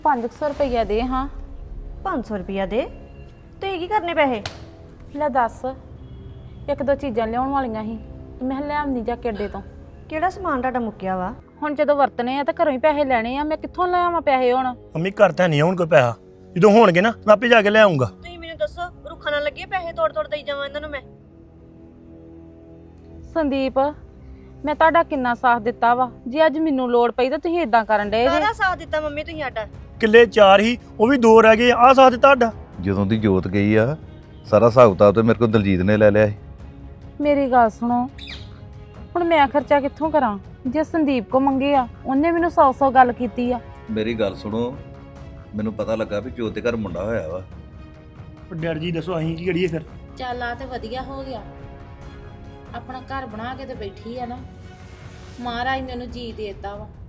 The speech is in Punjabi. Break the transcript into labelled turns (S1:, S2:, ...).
S1: 500 ਰੁਪਈਆ ਦੇ ਹਾਂ।
S2: 500 ਰੁਪਿਆ ਦੇ? ਤੁਸੀਂ ਕੀ ਕਰਨੇ ਪੈਸੇ?
S1: ਲੈ ਦੱਸ, ਇੱਕ ਦੋ ਚੀਜ਼ਾਂ ਲਿਆਉਣ ਵਾਲੀਆਂ ਸੀ, ਮੈਂ ਲਿਆਉਣੀ ਜਾ ਕੇ ਅੱਡੇ ਤੋਂ।
S2: ਕਿਹੜਾ ਸਮਾਨ ਤੁਹਾਡਾ ਮੁੱਕਿਆ ਵਾ?
S1: ਹੁਣ ਜਦੋਂ ਵਰਤਣੇ ਆ ਤਾਂ ਘਰੋਂ ਹੀ ਪੈਸੇ ਲੈਣੇ ਆ, ਮੈਂ ਕਿੱਥੋਂ ਲਿਆਵਾਂ ਪੈਸੇ ਹੁਣ?
S3: ਮੰਮੀ ਘਰ ਤਾਂ ਨਹੀਂ ਹੁਣ ਕੋਈ ਪੈਸਾ, ਜਦੋਂ ਹੋਣਗੇ ਨਾ ਮੈਂ ਆਪੇ ਜਾ ਕੇ ਲੈ ਆਉਂਗਾ।
S2: ਤੁਸੀਂ ਮੈਨੂੰ ਦੱਸੋ, ਰੁੱਖਾਂ ਨਾਲ ਲੱਗੇ ਪੈਸੇ ਤੋੜ ਤੋੜ ਦੇਈ ਜਾਵਾਂ ਇਹਨਾਂ ਨੂੰ ਮੈਂ?
S1: ਸੰਦੀਪ, ਮੈਂ ਤੁਹਾਡਾ ਕਿੰਨਾ ਸਾਥ ਦਿੱਤਾ ਵਾ, ਜੇ ਅੱਜ ਮੈਨੂੰ ਲੋੜ ਪਈ ਤਾਂ ਤੁਸੀਂ ਇਦਾਂ ਕਰਨ ਡਏ ਜੇ।
S2: ਕਾਹਦਾ ਸਾਥ ਦਿੱਤਾ ਮੰਮੀ ਤੁਸੀਂ ਸਾਡਾ?
S3: ਕਿੱਲੇ 4 ਹੀ, ਉਹ ਵੀ 2 ਰਹਿ ਗਏ। ਆਹ ਸਾਥ ਤੁਹਾਡਾ।
S4: ਜਦੋਂ ਦੀ ਜੋਤ ਗਈ ਆ ਸਾਰਾ ਹਿਸਾਬ ਕਿਤਾਬ ਤੇ ਮੇਰੇ ਕੋਲ ਦਲਜੀਤ ਨੇ ਲੈ ਲਿਆ ਸੀ।
S1: ਮੇਰੀ ਗੱਲ ਸੁਣੋ, ਹੁਣ ਮੈਂ ਖਰਚਾ ਕਿੱਥੋਂ ਕਰਾਂ? ਜੇ ਸੰਦੀਪ ਕੋ ਮੰਗੇ ਆ, ਉਹਨੇ ਮੈਨੂੰ 100 ਗੱਲ ਕੀਤੀ ਆ।
S4: ਮੇਰੀ ਗੱਲ ਸੁਣੋ, ਮੈਨੂੰ ਪਤਾ ਲੱਗਾ ਵੀ ਜੋਤ ਦੇ ਘਰ ਮੁੰਡਾ ਹੋਇਆ ਵਾ।
S3: ਡੈਡ ਜੀ ਦੱਸੋ ਅਸੀਂ ਕੀ ਕਰੀਏ ਫਿਰ?
S1: ਚੱਲ ਆ ਤੇ ਵਧੀਆ ਹੋ ਗਿਆ, ਆਪਣਾ ਘਰ ਬਣਾ ਕੇ ਤੇ ਬੈਠੀ ਆ ਨਾ। ਮਹਾਰਾਜ ਨੇ ਉਹਨੂੰ ਜੀ ਦੇਤਾ ਵਾ।